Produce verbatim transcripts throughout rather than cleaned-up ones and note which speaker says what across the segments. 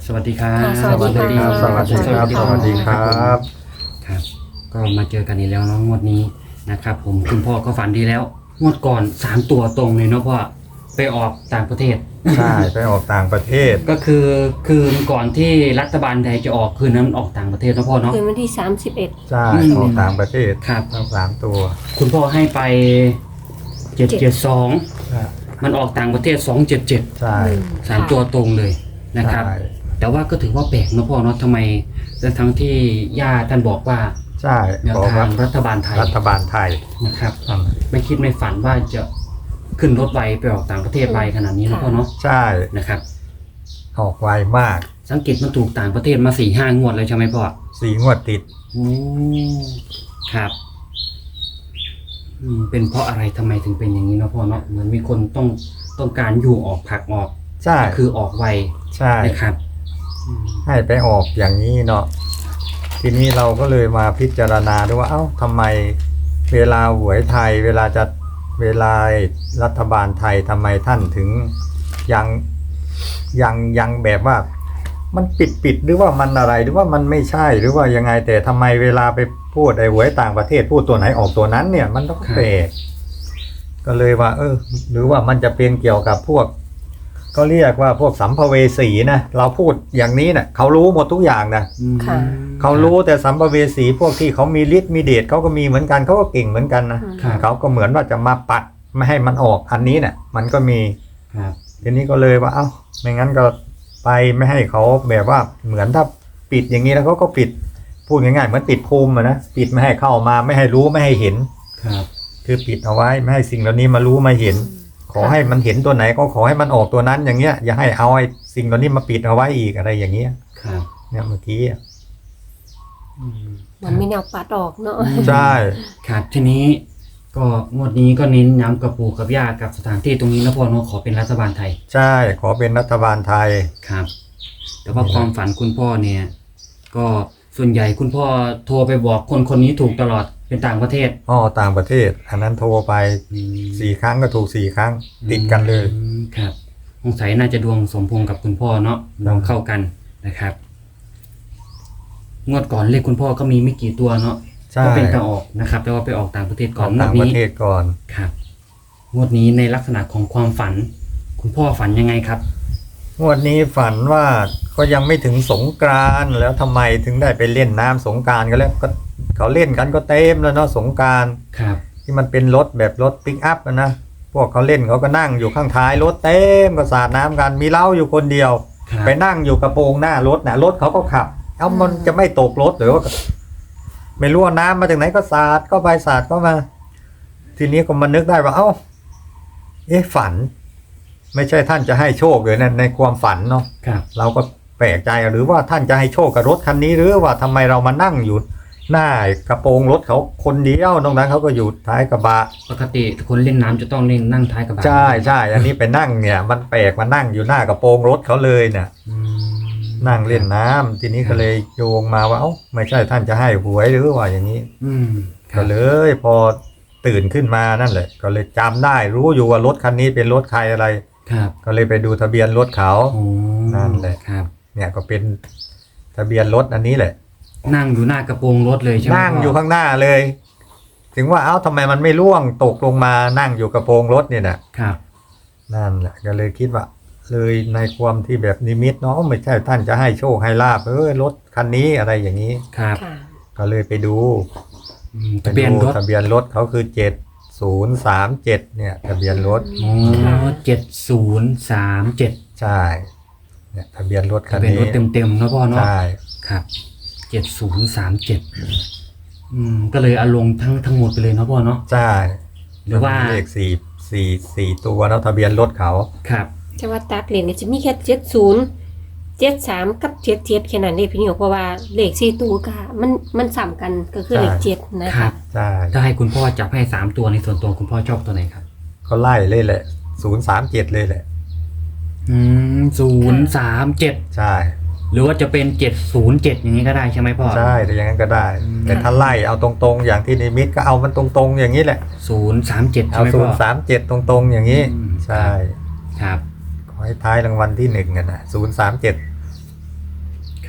Speaker 1: สวัสดีครับ
Speaker 2: ค่ะสวัสดีครับ
Speaker 3: สวัสดีครับสวัสดีครับ
Speaker 1: ครับก็มาเจอกันอีกแล้วเนาะงวดนี้นะครับผมคุณพ่อก็ฝันดีแล้วงวดก่อนสามตัวตรงเลยเนาะพ่อไปออกต่างประเทศ
Speaker 3: ใช่ไปออกต่างประเทศ
Speaker 1: ก็คือคืนก่อนที่รัฐบาลไทยจะออกคืนนั้นมันออกต่างประเทศเนาะพ่อเนาะ
Speaker 2: คืนวันที่สามสิบเอ็ด
Speaker 3: ใช่
Speaker 1: อืม
Speaker 3: ออกต่างประเทศ
Speaker 1: ครับ
Speaker 3: ทั้งสามตัว
Speaker 1: คุณพ่อให้ไปเจ็ดเจ็ดสอง
Speaker 3: ใช่
Speaker 1: มันออกต่างประเทศสองเจ็ดเจ็ด
Speaker 3: ใช่
Speaker 1: สามตัวตรงเลยนะครับ
Speaker 3: ใช่
Speaker 1: แต่ว่าก็ถือว่าแปลกเนาะพ่อเนาะทำไมทั้งที่ย่าท่านบอกว่า
Speaker 3: ใช่
Speaker 1: แนว
Speaker 3: บอก
Speaker 1: ทา
Speaker 3: ว่าง
Speaker 1: รัฐบาลไทย
Speaker 3: รัฐบาลไทย
Speaker 1: นะครับ
Speaker 3: อืม
Speaker 1: ไม่คิดไม่ฝันว่าจะขึ้นรถไวไปออกต่างประเทศไวขนาดนี้นะพ่อเนาะ
Speaker 3: ใช่
Speaker 1: นะครับ
Speaker 3: ออกไวมาก
Speaker 1: สังเกตมันถูกต่างประเทศมาสี่ห้างวดเลยใช่ไหมพ่อ
Speaker 3: สี่งวดติด
Speaker 1: โอ้ครับอืมเป็นเพราะอะไรทำไมถึงเป็นอย่างนี้เนาะพ่อเนาะเหมือนมีคนต้องต้องการอยู่ออกผลักออก
Speaker 3: ใช่
Speaker 1: คือออกไว
Speaker 3: ใช่
Speaker 1: นะครับอืม
Speaker 3: ให้ไปออกอย่างนี้เนาะทีนี้เราก็เลยมาพิจารณาดูว่าเอ้าทำไมเวลาหวยไทย เวลาจะเวลารัฐบาลไทยทำไมท่านถึงยังยังยังแบบว่า มันปิดปิดหรือว่ามันอะไรหรือว่ามันไม่ใช่หรือว่ายังไงแต่ทำไมเวลาไปพูดไอ้หวยต่างประเทศพูดตัวไหนออกตัวนั้นเนี่ยมันต้องแปลกก็เลยว่า เออ หรือว่ามันจะเป็นเกี่ยวกับพวก ก็เรียกว่าพวกสัมภเวสีนะเราพูดอย่างนี้นะเขารู้หมดทุกอย่างนะ
Speaker 1: อืม
Speaker 2: ค่ะ
Speaker 3: เขารู้แต่สัมภเวสีพวกที่เขามีฤทธิ์มีเดชเขาก็มีเหมือนกันเขาก็เก่งเหมือนกันนะครับ เขาก็เหมือนว่าจะมาปัดไม่ให้มันออกอันนี้เนี่ยมันก็มี
Speaker 1: ครับ
Speaker 3: ทีนี้ก็เลยว่าเอ้าไม่งั้นก็ไปไม่ให้เขาแบบว่าเหมือนถ้าปิดอย่างนี้แล้วเขาก็ปิดพูดง่ายๆเหมือนปิดภูมิอะนะปิดไม่ให้เข้ามาไม่ให้รู้ไม่ให้เห็น
Speaker 1: ครับ
Speaker 3: คือปิดเอาไว้ไม่ให้สิ่งเหล่านี้มารู้มาเห็น ขอให้มันเห็นตัวไหนก็ขอให้มันออกตัวนั้นอย่างเงี้ยอย่าให้เอาไอ้สิ่งเหล่านี้มาปิดเอาไว้อีกอะไรอย่างเงี้ย
Speaker 1: ครับ
Speaker 3: เนี่ยเมื่อกี้อะ
Speaker 1: อืม
Speaker 2: มันไม่แนวปัดออกเนาะ
Speaker 3: ใช่
Speaker 1: ครับทีนี้ก็งวดนี้ก็เน้นย้ำกับปู่กับย่ากับสถานที่ตรงนี้นะพ่อเนาะขอเป็นรัฐบาลไทย
Speaker 3: ใช่ขอเป็นรัฐบาลไทย
Speaker 1: ครับ แต่ว่าความฝันคุณพ่อเนี่ย ก็ส่วนใหญ่คุณพ่อโทรไปบอกคนคนนี้ถูกตลอดเป็นต่างประเทศ
Speaker 3: อ้อต่างประเทศ อันนั้นโทรไปสี่ครั้งก็ถูกสี่ครั้งติดกันเลย
Speaker 1: อืมครับสงสัยน่าจะดวงสมพงษ์กับคุณพ่อเนาะดวงเข้ากันนะครับ งวดก่อนเลขคุณพ่อก็มีไม่กี่ตัวเนาะ
Speaker 3: ใช่
Speaker 1: ก็เป็นตาออกนะครับ แต่ว่าไปออกต่างประเทศ
Speaker 3: ข
Speaker 1: ก่อ
Speaker 3: อน
Speaker 1: งว
Speaker 3: ต่า
Speaker 1: ด
Speaker 3: งประ
Speaker 1: นี้
Speaker 3: เทศก่อน
Speaker 1: ครับงวดนี้ในลักษณะของความฝัน คุณพ่อฝันยังไงครับ
Speaker 3: งวดนี้ฝันว่าก็ยังไม่ถึงสงกรานต์แล้วทำไมถึงได้ไปเล่นน้ำสงกรานต์กันแล้วก็เขาเล่นกันก็เต็มแล้วเนาะสงกรานต์
Speaker 1: ครับ
Speaker 3: ที่มันเป็นรถแบบรถปิกอัพอะนะพวกเขาเล่นเขาก็นั่งอยู่ข้างท้ายรถเต็มก็สาดน้ำกันมีเล้าอยู่คนเดียว
Speaker 1: ครับ
Speaker 3: ไปนั่งอยู่กระโปรงหน้ารถนะรถเขาก็ขับ เอ้ามันจะไม่ตกรถหรือว่าไม่รู้ว่าน้ำมาจากไหนก็สาดก็ไปสาดก็มา ทีนี้ก็มานึกได้ว่าเอ้าเอ๊ะฝัน ไม่ใช่ท่านจะให้โชคเลยนะในความฝันเนาะ
Speaker 1: ครับ
Speaker 3: เราก็แปลกใจหรือว่าท่านจะให้โชคกับรถคันนี้หรือว่าทำไมเรามานั่งอยู่หน้ากระโปรงรถเขาคนเดียวตรงนั้นเขาก็อยู่ท้ายกระบะ
Speaker 1: ปกติคนเล่นน้ำจะต้องเล่นนั่งท้ายกระบะ
Speaker 3: ใช่ใช่อันนี้ไปนั่งเนี่ย มันแปลกมานั่งอยู่หน้ากระโปรงรถเขาเลยเนี่ย
Speaker 1: อืม
Speaker 3: นั่งเล่นน้ำทีนี้ก็เลยโยงมาว่าเอ้าไม่ใช่ท่านจะให้หวยหรือว่าอย่างนี้
Speaker 1: อืมค
Speaker 3: ก็
Speaker 1: รับ
Speaker 3: เลยพอตื่นขึ้นมานั่นแหละ ก็เลยจำได้รู้อยู่ว่ารถคันนี้เป็นรถใครอะไร
Speaker 1: ครับ
Speaker 3: ก็เลยไปดูทะเบียนรถเขา
Speaker 1: โอ้
Speaker 3: นั่นแหละ
Speaker 1: ครับ
Speaker 3: เนี่ยก็เป็นทะเบียนรถอันนี้แหละ
Speaker 1: นั่งอยู่หน้ากระโปรงรถเลยใช่ไหม
Speaker 3: นั่ง
Speaker 1: พ่
Speaker 3: อยู่ข้างหน้าเลย ถึงว่าเอ้าทำไมมันไม่ร่วงตกลงมานั่งอยู่กระโปรงรถเนี่ยนะครับ นั่นแหละก็เลยคิดว่า เลยในความที่แบบนิมิตเนาะไม่ใช่ท่านจะให้โชคให้ลาบเออรถคันนี้อะไรอย่างนี้
Speaker 1: ครับ
Speaker 2: ค่ะ
Speaker 3: ก็เลยไปดู
Speaker 1: อืมทะเบียนรถ
Speaker 3: ทะเบียนรถเขาคือเจ็ดศูนย์สามเจ็ดเนี่ยทะเบียนรถ
Speaker 1: โอ้เจ็ดศูนย์สามเจ็ด
Speaker 3: ใช่เนี่ยทะเบียนรถคั
Speaker 1: ทะ
Speaker 3: น
Speaker 1: เบียน
Speaker 3: นี้
Speaker 1: รถเต็มๆนะพ่อเนาะ
Speaker 3: ใช่
Speaker 1: ครับเจ็ดศูนย์สามเจ็ดอืมก็เลยเอาลงทั้งทั้งหมดไปเลยเนาะพ่อเนาะ
Speaker 3: ใช่
Speaker 1: หรือว่า
Speaker 3: เลขสี่สี่สี่ตัวแล้วทะเบียนรถเขา
Speaker 1: ครับ
Speaker 2: แต่ว่าตัดเหรียญเนี่ยจะมีแค่เจ็ดศูนย์เจ็ดสามกับเจ็ดเจ็ดแค่นั้นเองพี่นิวเพราะว่าเลขสี่ตัวก็มันมันสัมกันก็คือเลขเจ็ดนะ
Speaker 1: ครั
Speaker 2: คะ
Speaker 1: บ
Speaker 3: ใช่
Speaker 1: ถ้าให้คุณพ่อจับให้สามตัวในส่วนตัวคุณพ่อชอบตัวไหนครับ
Speaker 3: เขาไล่เลยแหละศูนย์สามเจ็ดเลยแหละ
Speaker 1: อืมศูนย์สามเจ็ด
Speaker 3: ใช่
Speaker 1: หรือว่าจะเป็นเจ็ดศูนย์เจ็ดอย่างนี้ก็ได้ใช่ไหมพ่อ
Speaker 3: ใช่แต่อย่างนั้นก็ได้
Speaker 1: อืม
Speaker 3: แต่ถ้าไล่เอาตรงๆ อย่างที่นิมิตก็เอามันตรงๆ อย่างนี้แหละ
Speaker 1: ศูนย์สามเจ็ดใช่
Speaker 3: เอา
Speaker 1: ไหม
Speaker 3: ศู
Speaker 1: พ่
Speaker 3: น
Speaker 1: อ
Speaker 3: ย์สามเจ็ดตรงๆ อย่างนี้
Speaker 1: อืม
Speaker 3: ใช่
Speaker 1: ครับ
Speaker 3: ขอให้ท้ายรางวัลที่หนึ่งกันนะศูนย์สามเจ็ด
Speaker 1: อ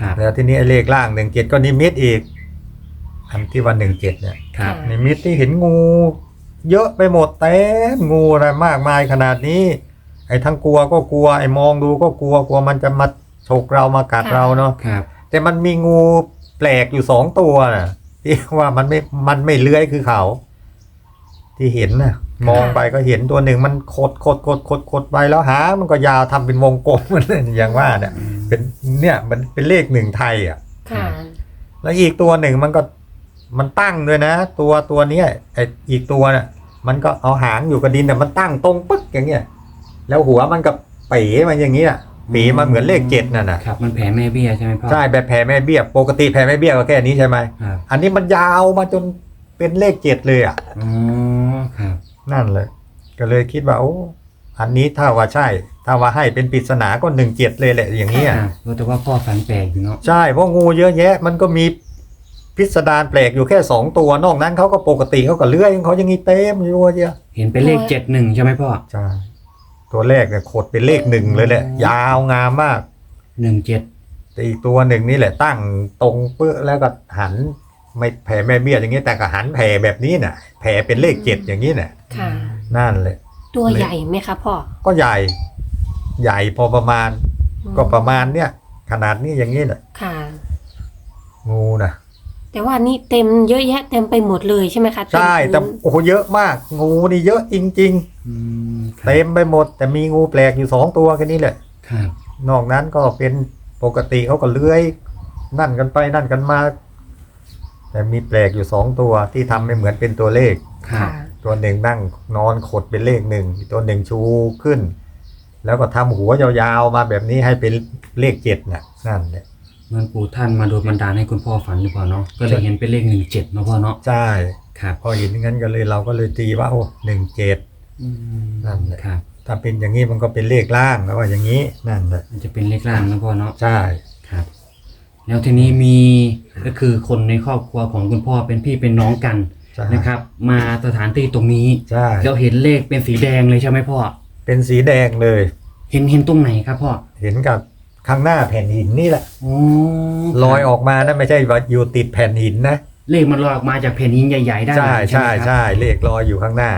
Speaker 1: ครับ
Speaker 3: แล้วทีนี้ไอ้เลขล่างหนึ่งเจ็ดก็นิมิตอีกอันที่วันหนึ่งเจ็ดเนี่ย
Speaker 1: ครับ
Speaker 3: นิมิตที่เห็นงู เยอะไปหมดเต็มงูอะไรมากมายขนาดนี้ ไอ้ทั้งกลัวก็กลัวไอ้มองดูก็กลัวกลัวมันจะมาฉกเรามากัดเราเนาะ
Speaker 1: ครับ
Speaker 3: แต่มันมีงูแปลกอยู่สองตัวน่ะที่ว่ามันไม่มันไม่เลื้อยคือเขา ที่เห็นน่ะ มองไปก็เห็นตัวหนึ่งมันขดขดขดขดขดไปแล้วหางมันก็ยาวทำเป็นวงกลมมันอย่างว่าเนี่ยเป็นเนี่ยมันเป็นเลขหนึ่งไทยอ่ะ
Speaker 2: ค่ะ
Speaker 3: แล้วอีกตัวหนึ่งมันก็มันตั้งด้วยนะ ตัวตัวเนี้ยไออีกตัวน่ะมันก็เอาหางอยู่กับดินแต่มันตั้งตรงปึ๊กอย่างเงี้ยแล้วหัวมันกับปีมันอย่างเงี้ยปีมันเหมือนเลขเจ็ดนั่นน่ะ
Speaker 1: ครับมันแผ่แม่เบี้ยใช่ไหมพ่อ
Speaker 3: ใช่แบบแผ่แม่เบี้ยปกติแผ่แม่เบี้ยก็แค่นี้ใช่ไหม
Speaker 1: ครับ
Speaker 3: อันนี้มันยาวมาจนเป็นเลขเจ็ดเลยอ่ะ
Speaker 1: อ๋อครับ
Speaker 3: นั่นเลย ก็เลยคิดว่าโอ้อันนี้ถ้าว่าใช่ ถ้าว่าให้เป็นปริศนาก็หนึ่งเจ็ดเลยแหละอย่างเงี้ย
Speaker 1: ครับแต่ว่าพ่อฝันแปลกอยู่เนาะ
Speaker 3: ใช่เพราะงูเยอะแยะ มันก็มีพิสดารแปลกอยู่แค่สองตัวนอกนั้นเขาก็ปกติเขาก็เลื้อยของเขายังงี้เต็มอยู่เยอะ
Speaker 1: เห็นเป็นเลขเจ็ดหนึ่งใช่ไหมพ่อ
Speaker 3: ใช่ตัวแรกเนี่ยขดเป็นเลขหนึ่งเลยแหละ ยาวงามมาก
Speaker 1: หนึ่งเจ็ด
Speaker 3: แต่อีกตัวหนึ่งนี่แหละตั้งตรงเปื้อแล้วก็หันไม่แผ่แม่เบี้ยอย่างนี้แต่ก็หันแผ่แบบนี้น่ะแผ่เป็นเลขเจ็ดอย่างนี้น่ะ
Speaker 2: ค่ะ
Speaker 3: นั่นเลย
Speaker 2: ตัวใหญ่ไหมคะพ่อ
Speaker 3: ก็ใหญ่ ใหญ่พอประมาณ ก็ประมาณเนี้ยขนาดนี้อย่างนี้แหละ
Speaker 2: ค่ะ
Speaker 3: งูนะ
Speaker 2: แต่ว่านี่เต็มเยอะแยะเต็มไปหมดเลยใช่ไหมคะ
Speaker 3: ใช่แต่
Speaker 2: เมพื้น
Speaker 3: โอ้โหเยอะมาก งูนี่เยอะจริง
Speaker 1: อืมค
Speaker 3: ๆ
Speaker 1: รับ
Speaker 3: เต็มไปหมด แต่มีงูแปลกอยู่สองตัวแค่นี้แหละ
Speaker 1: ครับ
Speaker 3: นอกนั้นก็เป็นปกติเขาก็เลื้อยนั่นกันไปนั่นกันมา แต่มีแปลกอยู่สองตัวที่ทำไม่เหมือนเป็นตัวเลข
Speaker 1: ครับ
Speaker 2: ค่ะ
Speaker 3: ตัวหนึ่งนั่งนอนขดเป็นเลขหนึ่งอีกตัวหนึ่งชูขึ้น แล้วก็ทำหัวยาวๆมาแบบนี้ให้เป็นเลขเจ็ดน่ะนั่นแหละ
Speaker 1: เหมือนปู่ท่านมาโดนบันดาลให้คุณพ่อฝันหรือเปล่าเนาะก็เลยเห็นเป็นเลขหนึ่งเจ็ดเนาะพ่อเนาะ
Speaker 3: ใช่
Speaker 1: ครับ
Speaker 3: พอเห็นงั้นก็เลยเราก็เลยตีว่าโอ้หนึ่งเจ็ด
Speaker 1: อืม
Speaker 3: นั่นแหละ
Speaker 1: ครับ
Speaker 3: ถ้าเป็นอย่างนี้มันก็เป็นเลขล่างแล้วว่าอย่างนี้นั่นแหละ
Speaker 1: มันจะเป็นเลขล่างนะพ่อเนาะ
Speaker 3: ใช่
Speaker 1: ครับ แล้วทีนี้มีก็คือคนในครอบครัวของคุณพ่อเป็นพี่เป็นน้องกัน
Speaker 3: ใช่
Speaker 1: นะครับ มาสถานที่ตรงนี้
Speaker 3: ใช่
Speaker 1: แล้วเห็นเลขเป็นสีแดงเลยใช่ไหมพ่อ
Speaker 3: เป็นสีแดงเลย
Speaker 1: เห็นเห็นตรงไหนครับพ่อ
Speaker 3: เห็นกับข้างหน้าแผ่นหินนี่แหละ
Speaker 1: อ๋อ
Speaker 3: ลอยออกมานะไม่ใช่ว่าอยู่ติดแผ่นหินนะ
Speaker 1: เลขมันลอยออกมาจากแผ่นหินใหญ่ๆด้านห
Speaker 3: ใช่
Speaker 1: ลัง
Speaker 3: ใช่
Speaker 1: ไหมครับ
Speaker 3: ใช่เลขลอยอยู่ข้างหน้า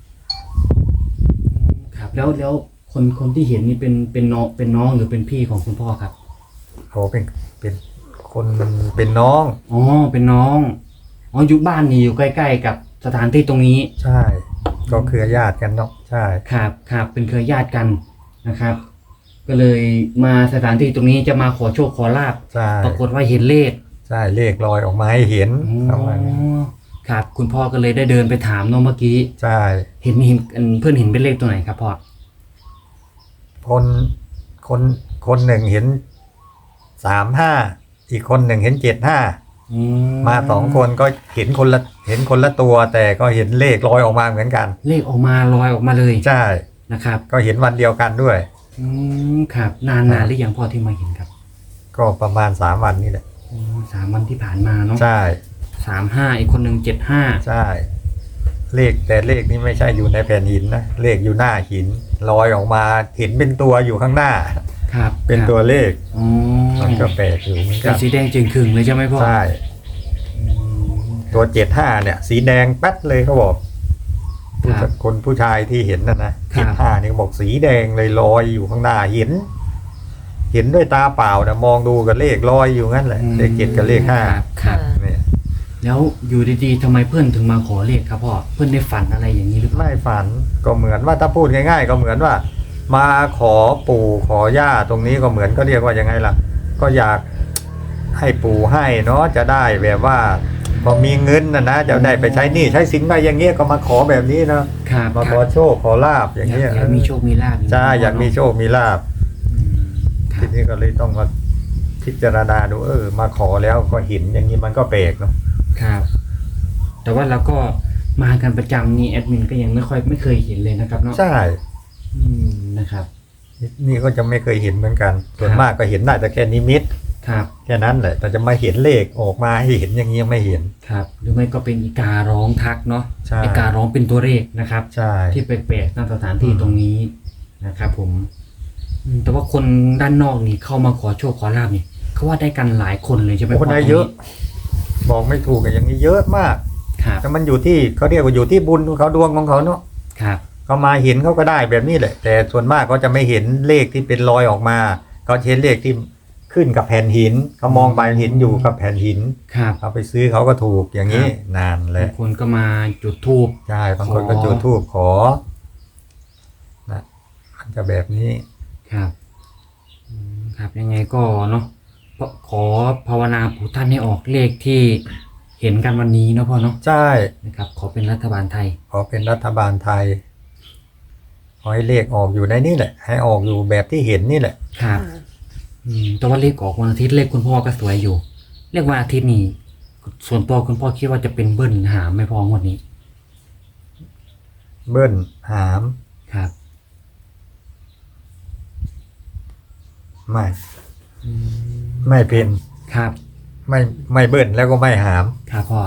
Speaker 1: ครับแล้วแล้วคนคนที่เห็นนี่เป็นเป็นน้องเป็นน้องหรือเป็นพี่ของคุณพ่อครับ
Speaker 3: เขาเป็นเป็นคนเป็นน้อง
Speaker 1: อ๋อเป็นน้องอ๋ออยู่บ้านนี่อยู่ใกล้ๆกับสถานที่ตรงนี้
Speaker 3: ใช่ ก็เครือญาติกันเนาะใช่
Speaker 1: ครับครับเป็นเครือญาติกันนะครับ ก็เลยมาสถานที่ตรงนี้จะมาขอโชคขอลาบ
Speaker 3: ใช่
Speaker 1: ปรากฏว่าเห็นเลข
Speaker 3: ใช่เลขลอยออกมาให้เห็น
Speaker 1: อ๋
Speaker 3: ประมาณนี้
Speaker 1: อครับ คุณพ่อก็เลยได้เดินไปถามเนาะเมื่อกี้
Speaker 3: ใช่
Speaker 1: เห็นเห็นเพื่อนเห็นเป็นเลขตัวไหนครับพ่อ
Speaker 3: คนคนคนหนึ่งเห็นสามห้าอีกคนหนึ่งเห็นเจ็ดห้า
Speaker 1: อื
Speaker 3: มาสองคนก็เห็นคนละเห็นคนละตัว แต่ก็เห็นเลขลอยออกมาเหมือนกัน
Speaker 1: เลขออกมาลอยออกมาเลย
Speaker 3: ใช่
Speaker 1: นะครับ
Speaker 3: ก็เห็นวันเดียวกันด้วย
Speaker 1: อืมครับนานนานหรือยังพ่อที่มาเห็นครับ
Speaker 3: ก็ประมาณสามวันนี่แหละ
Speaker 1: อ๋อสามวันที่ผ่านมาเนาะ
Speaker 3: ใช่
Speaker 1: สามห้าอีกคนหนึ่งเจ็ดห้า
Speaker 3: ใช่ เลขแต่เลขนี้ไม่ใช่อยู่ในแผ่นหินนะเลขอยู่หน้าหินลอยออกมาเห็นเป็นตัวอยู่ข้างหน้า
Speaker 1: ครับ
Speaker 3: เป็นตัวเลข
Speaker 1: อ๋อ
Speaker 3: มันก็แปลกอยู่เหมือน
Speaker 1: เป็
Speaker 3: กัน น
Speaker 1: สีแดงจึงขึงเลยใช่ไหมพ่อ
Speaker 3: ใช่
Speaker 1: อืม
Speaker 3: ตัวเจ็ดห้าเนี่ย สีแดงแป๊ดเลยเขาบอกผู้
Speaker 1: ครับ
Speaker 3: คนผู้ชายที่เห็นนะนะ
Speaker 1: ครั
Speaker 3: เจ็
Speaker 1: บ
Speaker 3: ดห้านี่เขาบอกสีแดงเลยลอยอยู่ข้างหน้าเห็น เห็นด้วยตาเปล่านะมองดูกับเลขลอยอยู่งั้นแหละเลขเจ็ดกับเลขห้า
Speaker 1: ครับครับ
Speaker 3: เนี่ย
Speaker 1: แล้วอยู่ดีๆทำไมเพื่อนถึงมาขอเลขครับพ่อเพื่อนได้ฝันอะไรอย่างนี้หรือเปล่า
Speaker 3: ไม่ฝันก็เหมือนว่าถ้าพูดง่ายๆ ก็เหมือนว่า มาขอปู่ขอย่าตรงนี้ก็เหมือนก็เรียกว่ายังไงล่ะ ก็อยากให้ปู่ให้เนาะจะได้แบบว่า พอมีเงินนะนะจะได้ไปใช้หนี้ใช้สินไปอย่างเงี้ยก็มาขอแบบนี้เนาะ
Speaker 1: ครับ
Speaker 3: มา
Speaker 1: ค
Speaker 3: ข
Speaker 1: รั
Speaker 3: อบ โชคขอลาบอย่างเงี้ย
Speaker 1: อยากมีโชคมีลาภ
Speaker 3: ใช่อยากมีโชคมีลาบ
Speaker 1: อืมครั
Speaker 3: ที
Speaker 1: บ
Speaker 3: นี้ก็เลยต้องมาพิจารณาดูเออ มาขอแล้วก็เห็นอย่างนี้มันก็แปลกเนาะ
Speaker 1: ครับ แต่ว่าเราก็มากันประจำนี่แอดมินก็ยังไม่ค่อยไม่เคยเห็นเลยนะครับเนาะ
Speaker 3: ใช่
Speaker 1: อืมนะครับ
Speaker 3: นี่ก็จะไม่เคยเห็นเหมือนกัน ส่วน
Speaker 1: ครับ
Speaker 3: มากก็เห็นได้แต่แค่นิมิต
Speaker 1: ครับ
Speaker 3: แค่นั้นแหละแต่จะมาเห็นเลขออกมาให้เห็นอย่างนี้ยังไม่เห็น
Speaker 1: ครับหรือไม่ก็เป็นอีการ้องทักเนาะ
Speaker 3: ใช่
Speaker 1: อีการ้องเป็นตัวเลขนะครับ
Speaker 3: ใช่
Speaker 1: ที่แปลกๆตามสถานที่ตรงนี้นะครับผมอืมแต่ว่าคนด้านนอกนี่เข้ามาขอโชคขอลาบนี่เขาว่าได้กันหลายคนเลยใช่ไหม
Speaker 3: โอ้
Speaker 1: พ่อ
Speaker 3: ได้เยอะ บอกไม่ถูกอะอย่างนี้เยอะมาก
Speaker 1: ครับ
Speaker 3: แต่มันอยู่ที่เขาเรียกว่าอยู่ที่บุญของเขาดวงของเขาเนาะ
Speaker 1: ครับ
Speaker 3: เขามาเห็นเขาก็ได้แบบนี้แหละ แต่ส่วนมากเขาจะไม่เห็นเลขที่เป็นรอยออกมาเขาเห็นเลขที่ขึ้นกับแผ่นหินเขามองไปเห็นอยู่กับแผ่นหิน
Speaker 1: ครับ
Speaker 3: เอาไปซื้อเขาก็ถูกอย่างนี้นานเล
Speaker 1: บาย งคนก็มาจุดธูป
Speaker 3: ใช่บางคน
Speaker 1: ขอ
Speaker 3: ก็จุดธูปขอนะมันจะแบบนี้
Speaker 1: ครับอืมครับยังไงก็เนาะขอขอภาวนาปู่ท่านให้ออกเลขที่เห็นกันวันนี้เนาะพ่อเนาะ
Speaker 3: ใช่
Speaker 1: นะครับขอเป็นรัฐบาลไทย
Speaker 3: ขอเป็นรัฐบาลไทยขอให้เลขออกอยู่ในนี่แหละ ให้ออกอยู่แบบที่เห็นนี่แหละ
Speaker 1: ครับอืมแต่ว่าเลขออกวันอาทิตย์เลขคุณพ่อก็สวยอยู่เลขวันอาทิตย์นี่ส่วนตัวคุณพ่อคิดว่าจะเป็นเบิ้ลหามไม่พองวดนี้
Speaker 3: เบิ้ลหาม
Speaker 1: ครับ
Speaker 3: ไม่ไม่เป็น
Speaker 1: ครับ
Speaker 3: ไม่ไม่เบิ้ลแล้วก็ไม่หาม
Speaker 1: ครับพ่อ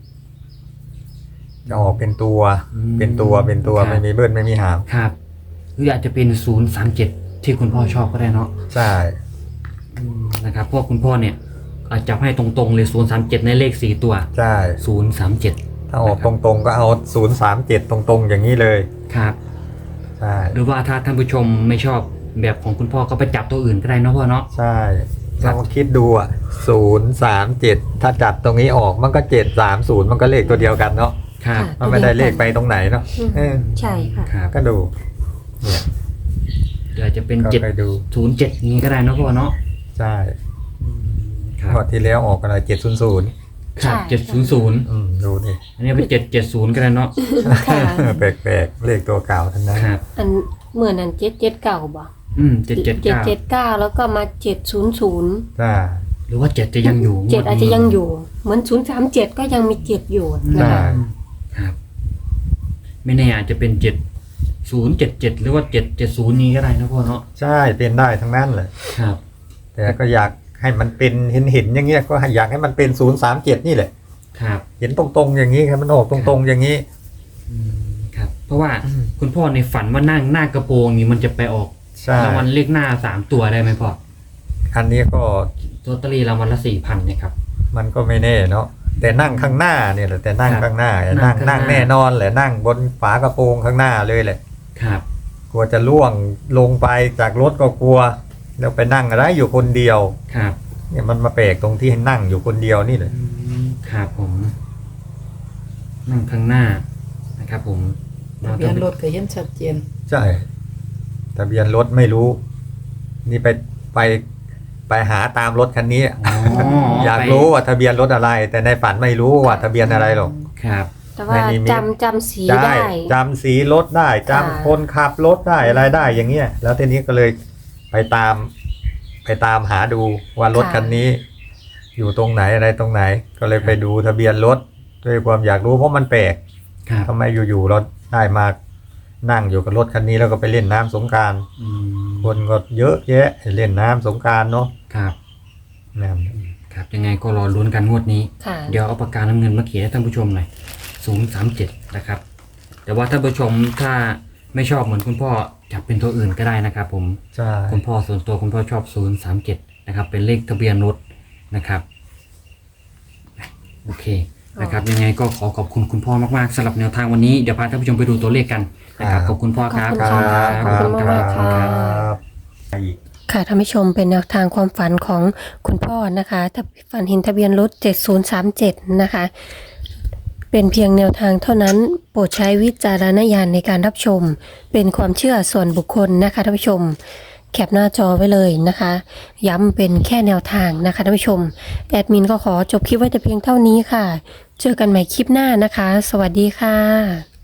Speaker 3: จะออกเป็นตัว
Speaker 1: อืม
Speaker 3: เป็นตัวเป็นตัว
Speaker 1: ครับ
Speaker 3: ไม่มีเบิ้ลไม่มีหาม
Speaker 1: ครับหรืออาจจะเป็นศูนย์สามเจ็ดที่คุณพ่อชอบก็ได้เนาะ
Speaker 3: ใช่
Speaker 1: อืมนะครับเพราะคุณพ่อเนี่ยอาจจะให้ตรงๆเลยศูนย์สามเจ็ดในเลขสี่ตัว
Speaker 3: ใช่
Speaker 1: ศูนย์สามเจ็ด
Speaker 3: ถ้าออกตรงๆก็เอาศูนย์สามเจ็ดตรงๆอย่างนี้เลย
Speaker 1: ครับ
Speaker 3: ใช่
Speaker 1: หรือว่าถ้าท่านผู้ชมไม่ชอบแบบของคุณพ่อก็ไปจับตัวอื่นก็ได้เนาะพ่อเนาะ
Speaker 3: ใช่
Speaker 1: ครั
Speaker 3: ล
Speaker 1: บ
Speaker 3: องคิดดูอ่ะศูนย์สามเจ็ดถ้าจัดตรงนี้ออกมันก็เจ็ดสามศูนย์มันก็เลขตัวเดียวกันเนาะ
Speaker 1: ครับ
Speaker 2: ค่ะ
Speaker 3: มันไม่ได้เลขไปตรงไหนเนาะ
Speaker 2: อืม
Speaker 3: เออ
Speaker 2: ใช่ค่ะ
Speaker 1: ครับ
Speaker 3: ก็ดูเนี่ย
Speaker 1: หรืออาจจะเป็น
Speaker 3: ก็
Speaker 1: เจ็ด
Speaker 3: ไปดู
Speaker 1: ศูนย์เจ็ดนี้ก็ได้เนาะพ่อเนาะ
Speaker 3: ใช่
Speaker 1: ครับ
Speaker 3: งวดที่แล้วออกอะไรเจ็ดศูนย์ศูนย์
Speaker 1: ครับ
Speaker 2: ใช่
Speaker 1: เจ็ดศูนย์ศูนย์
Speaker 3: อืมดูดิ
Speaker 1: อันนี้เป็นเจ็ดเจ็ดศูนย์ก็ได้เนาะ
Speaker 2: ค่ะ
Speaker 3: แปลกๆเลขตัวเก่าทั้งนั้น
Speaker 1: ครับ
Speaker 2: อันเหมือนอันเจ็ดเจ็ดเก่าบ่
Speaker 1: อืมเจ็ดเจ็ด
Speaker 2: เจ็ด
Speaker 1: เก้า
Speaker 2: เจ็ดเก้าแล้วก็มาเจ็ดศูนย์ศูนย์
Speaker 3: ใช่
Speaker 1: หรือว่าเจ็ดจะยังอยู่
Speaker 2: เจ็ด
Speaker 1: งวนี้
Speaker 2: อาจจะยังอยู่ เหมือนศูนย์สามเจ็ดก็ยังมีเจ็ดอยู่นะ
Speaker 3: ใช่
Speaker 2: คะ
Speaker 1: ครับ ไม่แน่อาจจะเป็นเจ็ดศูนย์เจ็ดเจ็ดหรือว่าเจ็ดเจ็ดศูนย์นี้ก็ได้นะพ่อเนาะ
Speaker 3: ใช่เป็นได้ทั้งนั้นเลย
Speaker 1: ครับ
Speaker 3: แต่ก็อยากให้มันเป็นเห็นเห็นๆอย่างเงี้ยก็อยากให้มันเป็นศูนย์สามเจ็ดนี่แหละ
Speaker 1: ครับ
Speaker 3: เห็นตรงๆอย่างนี้ครับมันออกตรงๆอย่างนี้
Speaker 1: อืมครับ เพราะว่า
Speaker 3: อืม
Speaker 1: คุณพ่อในฝันว่านั่งหน้ากระโปรงนี่มันจะไปออก
Speaker 3: ใช่
Speaker 1: รางวัลเลขหน้าสามตัวได้ไหมพ่อ
Speaker 3: อันนี้ก็
Speaker 1: ลอตเตอรี่รางวัลละสี่พันเนี่ยครับ
Speaker 3: มันก็ไม่แน่เนาะแต่นั่งข้างหน้าเนี่ยแหละแต่นั่ง
Speaker 1: ครับ
Speaker 3: ข้างหน้า
Speaker 1: นั่
Speaker 3: นั่
Speaker 1: ง
Speaker 3: ง
Speaker 1: ข้างหน้า
Speaker 3: นั่งแน่นอนแหละนั่งบนฝากระโปรงข้างหน้าเลยแหละ
Speaker 1: ครับ
Speaker 3: กลัวจะล่วงลงไปจากรถก็กลัวแล้วไปนั่งอะไรอยู่คนเดียว
Speaker 1: ครับ
Speaker 3: เนี่ยมันมาแปลกตรงที่ให้นั่งอยู่คนเดียวนี่แหละ
Speaker 1: อืมครับผม นั่งข้างหน้านะครับผม
Speaker 4: ทะเบียนรถก็เห็นชัดเจน
Speaker 3: ใช่ทะเบียนรถไม่รู้ นี่ไปไปไปหาตามรถคันนี้
Speaker 1: อ๋อ
Speaker 3: อยาก
Speaker 1: ไป
Speaker 3: รู้ว่าทะเบียนรถอะไร แต่ในฝันไม่รู้ว่าทะเบียนอะไรหรอก
Speaker 1: ครับ
Speaker 2: แต่ว่า
Speaker 3: ในนิมิต
Speaker 2: จำจำสี
Speaker 3: ใช่
Speaker 2: ได้
Speaker 3: จำสีรถได้จำ
Speaker 2: ค่ะ
Speaker 3: คนขับรถได้อะไรได้อย่างเงี้ยแล้วทีนี้ก็เลยไปตาม ไปตามหาดูว่ารถคันนี้ อยู่ตรงไหนอะไรตรงไหน ก็เลยไปดูทะเบียนรถด้วยความอยากรู้เพราะมันแปลก
Speaker 1: ครับ
Speaker 3: ทำไมอยู่ๆเราได้มานั่งอยู่กับรถคันนี้แล้วก็ไปเล่นน้ำสงกรานต์
Speaker 1: อืม
Speaker 3: คนก็เยอะแยะเล่นน้ำสงกรานต์เนาะ
Speaker 1: ครับ
Speaker 3: นั่น
Speaker 1: ครับ ยังไงก็รอลุ้นกันงวดนี้
Speaker 2: ค่ะ
Speaker 1: เดี๋ยวเอาปากกาน้ำเงินมาเขียนให้ท่านผู้ชมหน่อยศูนย์สามเจ็ดนะครับ แต่ว่าท่านผู้ชมถ้าไม่ชอบเหมือนคุณพ่อจับเป็นตัวอื่นก็ได้นะครับผม
Speaker 3: ใช่
Speaker 1: คุณพ่อส่วนตัวคุณพ่อชอบศูนย์สามเจ็ดนะครับ เป็นเลขทะเบียนรถนะครับ โอเคนะครับ ยังไงก็ขอขอบคุณคุณพ่อมากๆสำหรับแนวทางวันนี้ เดี๋ยวพาท่านผู้ชมไปดูตัวเลขกันนะครับ ขอบคุณพ่อครับ
Speaker 2: ขอบคุณค่ะ
Speaker 1: รั
Speaker 2: ขอบคุณมากๆค่ะ
Speaker 3: ครับ
Speaker 2: ค่ะท่านผู้ชมเป็นแนวทางความฝันของคุณพ่อนะคะถ้าฝันเห็นทะเบียนรถเจ็ดศูนย์สามเจ็ดนะคะ เป็นเพียงแนวทางเท่านั้นโปรดใช้วิจารณญาณในการรับชม เป็นความเชื่อส่วนบุคคลนะคะท่านผู้ชม แคปหน้าจอไว้เลยนะคะ ย้ำเป็นแค่แนวทางนะคะท่านผู้ชมแอดมินก็ขอจบคลิปไว้แต่เพียงเท่านี้ค่ะ เจอกันใหม่คลิปหน้านะคะ สวัสดีค่ะ